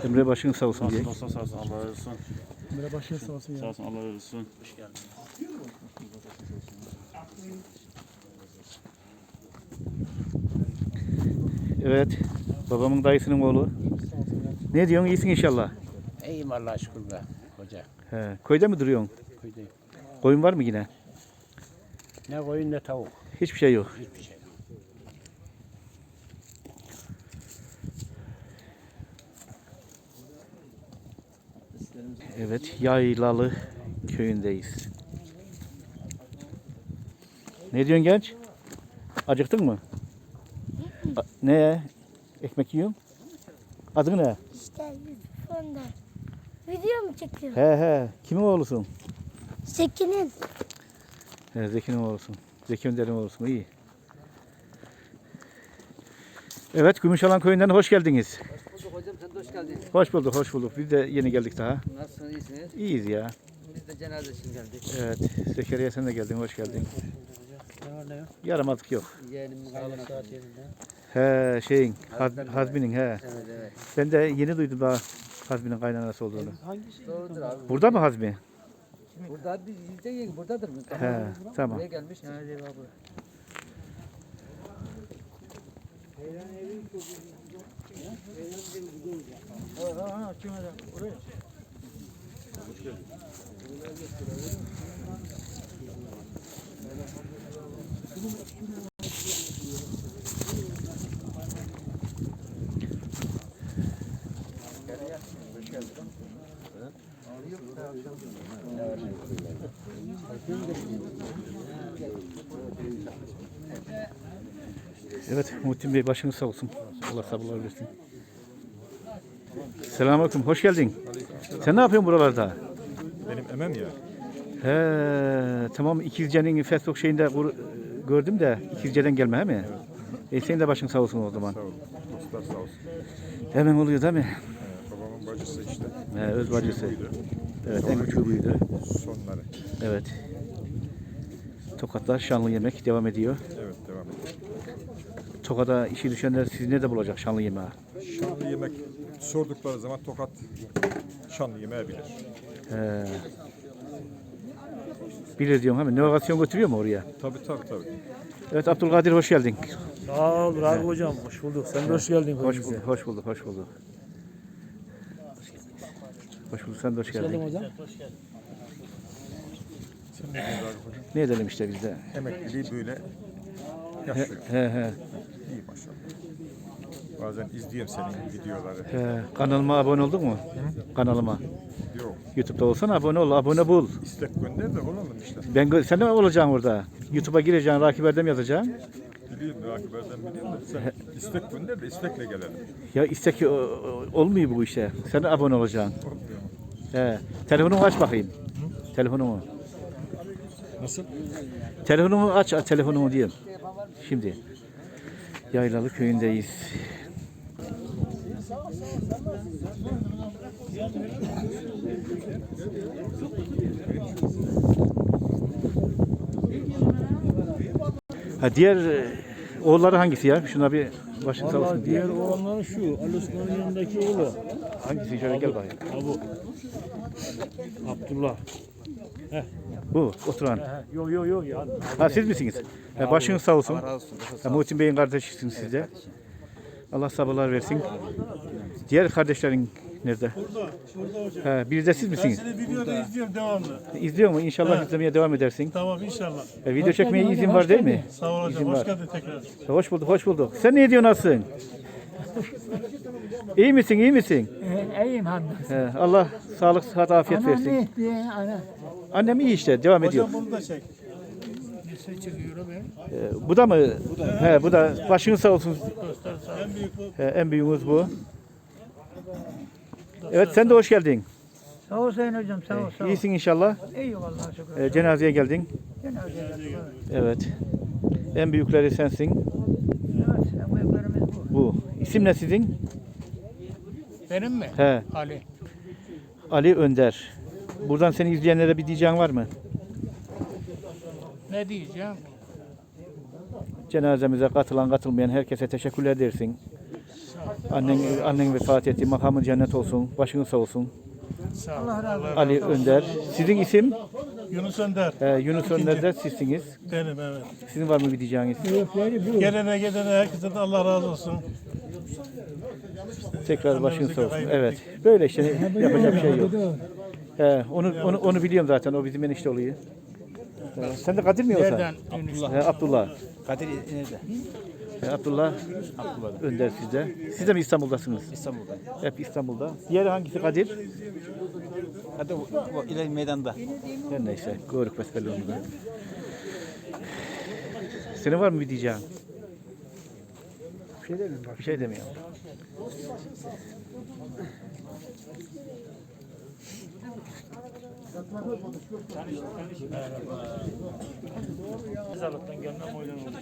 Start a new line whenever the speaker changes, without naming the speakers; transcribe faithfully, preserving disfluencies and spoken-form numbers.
Emre başın sağ olsun diye.
Sağ olsun, sağ olsun. Allah razı olsun.
Emre başın sağ olsun ya.
Sağ olsun, Allah razı olsun. Hoş geldin.
Evet. Babamın dayısının oğlu. Ne diyorsun? İyisin inşallah.
İyiyim Allah'a şükür be hoca.
He. Köyde mi duruyorsun?
Köydeyim.
Koyun var mı yine?
Ne koyun ne tavuk.
Hiçbir şey yok.
Hiçbir şey yok.
Evet. Yaylalı köyündeyiz. Ne diyorsun genç? Acıktın mı? A- ne? Ekmek yiyorsun? Adın ne?
İşte fonda. Video mu çekiyor?
He he. Kimin oğlusun?
Zeki'nin.
He, Zeki'nin oğlusun. Zeki Önder'in oğlusun. İyi. Evet, Gümüşalan köyünden hoş geldiniz.
Hoş bulduk hocam, sen de hoş geldin.
Hoş bulduk, hoş bulduk. Biz de yeni geldik daha.
Nasılsınız, iyisiniz?
İyiyiz ya.
Biz de cenaze için geldik.
Evet, Zekeriya sen de geldin, hoş geldin.
Ne var ne yok?
Yaramadık yok.
Yeğenimin
Sağlık
kaynanası.
saat yerinde.
He, şeyin, Haz,
Hazmi'nin
Hazmi'nin he.
Evet evet.
Ben de yeni duydum daha Hazmi'nin kaynanası olduğunu.
Doğrudur abi.
Burada mı Hazmi?
Burada bir yüzde yeni buradadır mı?
He, tamam.
Buraya gelmiştir. Evet abi.
Evet, Muhittin Bey başınız sağ olsun. Allah sabırlar versin. Selamünaleyküm, hoş geldin. Sen ne yapıyorsun buralarda?
Benim emem ya.
He, tamam İkizce'nin Facebook şeyinde kur- gördüm de İkizce'den gelme he mi? E senin de başın sağ olsun o zaman.
Sağ olun. Dostlar sağ olsun.
Hemen oluyor değil mi?
Ee, babamın bacısı işte.
He, öz bacısı.
Buydu.
Evet, en küçüğü buydu.
Sonları.
Evet. Tokat'ta şanlı yemek devam ediyor.
Evet devam ediyor.
Tokat'a işi düşenler sizi nerede bulacak şanlı yemeği?
Şanlı yemek sordukları zaman Tokat şanlı yemeği bilir.
He. Bilir diyorum hemen. Navigasyon götürüyor mu oraya?
Tabii tabii tabii.
Evet Abdülkadir hoş geldin.
Sağ ol Rabi hocam. Hoş bulduk. Sen de hoş geldin.
Hoş bulduk, hoş bulduk, hoş bulduk. Hoş bulduk, sen de hoş geldin.
hocam.
Ne edelim işte biz de.
Emekliliği böyle
He,
yaşıyor.
he, he.
İyi maşallah. Bazen izliyorum senin videoları.
He. Kanalıma abone oldun mu? Kanalıma.
Yok.
YouTube'da olsan abone ol, abone bul.
İstek gönder de olalım işte.
Ben gö- sen de mi olacaksın orada? YouTube'a gireceksin, Rakip Erdem yazacaksın.
Biliyorum Rakiplerden biliyorum da sen istek gönder de istekle gelelim.
Ya istek o- o- olmuyor bu işe. Sen de abone olacaksın.
Olmuyor mu?
He. Telefonumu aç bakayım. Telefonumu.
Nasıl?
Telefonumu aç, aç telefonumu diyeyim. Şimdi. Yaylalı köyündeyiz. Ha diğer e, oğulları hangisi ya? Şuna bir başın sağ olsun
Vallahi
diye.
diğer olanları şu. Ali Osman'ın yanındaki oğlu.
Hangisi? Şöyle gel bakayım.
Ha bu. Abdullah.
Bu oturan.
He, Yok yok yok ya.
Ha siz misiniz? Ha, başınız sağ olsun. Ha, Muhittin Bey'in kardeşisiniz siz de. Allah sabırlar versin. Diğer kardeşlerin nerede?
Burada. Burada hocam.
Ha, bir de siz misiniz?
Seni videoda izliyorum devamlı.
İzliyor mu? İnşallah izlemeye devam edersin.
Tamam inşallah.
E, video çekmeye izin var değil mi?
Sağ ol hocam.
İzin
Hoş
var.
geldin tekrar.
Hoş bulduk, hoş bulduk. Sen ne diyorsun nasılsın? İyi misin, iyi misin?
İyiyim hamdolsun.
He, Allah sağlık, sıhhat, afiyet
Anam
versin.
ne etti? Ana.
Annem iyi işte, devam ediyor.
Hocam bunu da çek.
Ee, bu da mı? He, bu da. Başınız sağ olsun.
En büyük bu.
He, en büyüğümüz bu. Evet, sen de hoş geldin.
Sağ ol Sayın hocam sağ ol sağ ol.
İyisin inşallah.
İyi Allah'a şükür.
Ee, cenazeye geldin.
Cenazeye geldik.
Evet. En büyükleri sensin.
Evet en büyüklerimiz bu.
Bu. İsim ne sizin?
Benim mi?
He,
Ali.
Ali Önder. Buradan seni izleyenlere bir diyeceğin var mı?
Ne diyeceğim?
Cenazemize katılan katılmayan herkese teşekkürler dersin. Annen, annen vefat etti. Makamın cennet olsun. Başın sağ olsun.
Sağ ol. Allah
Ali Önder. Sizin isim?
Yunus Önder.
Ee, Yunus Önder de sizsiniz.
Benim evet.
Sizin var mı bir diyeceğiniz?
Gelene gidene herkese de Allah razı olsun.
Tekrar başın sağ olsun. Evet. Böyle işte yapacak bir şey yok. He, onu, onu, onu biliyorum zaten. O bizim enişte oluyor. Ee, sen de Kadir mi yoksa?
Nereden?
He, Abdullah.
Kadir nerede?
He, Abdullah. Önder sizde. Siz de mi İstanbul'dasınız?
İstanbul'da.
Hep İstanbul'da. Diğeri hangisi Kadir?
Hadi o, o ileri meydanda.
Her neyse. Görük besbelli onu da. Senin var mı bir diyeceğin? Bir şey demiyorum. Bir şey demiyorum.
Mezarlıktan gelmem oylan olmuş.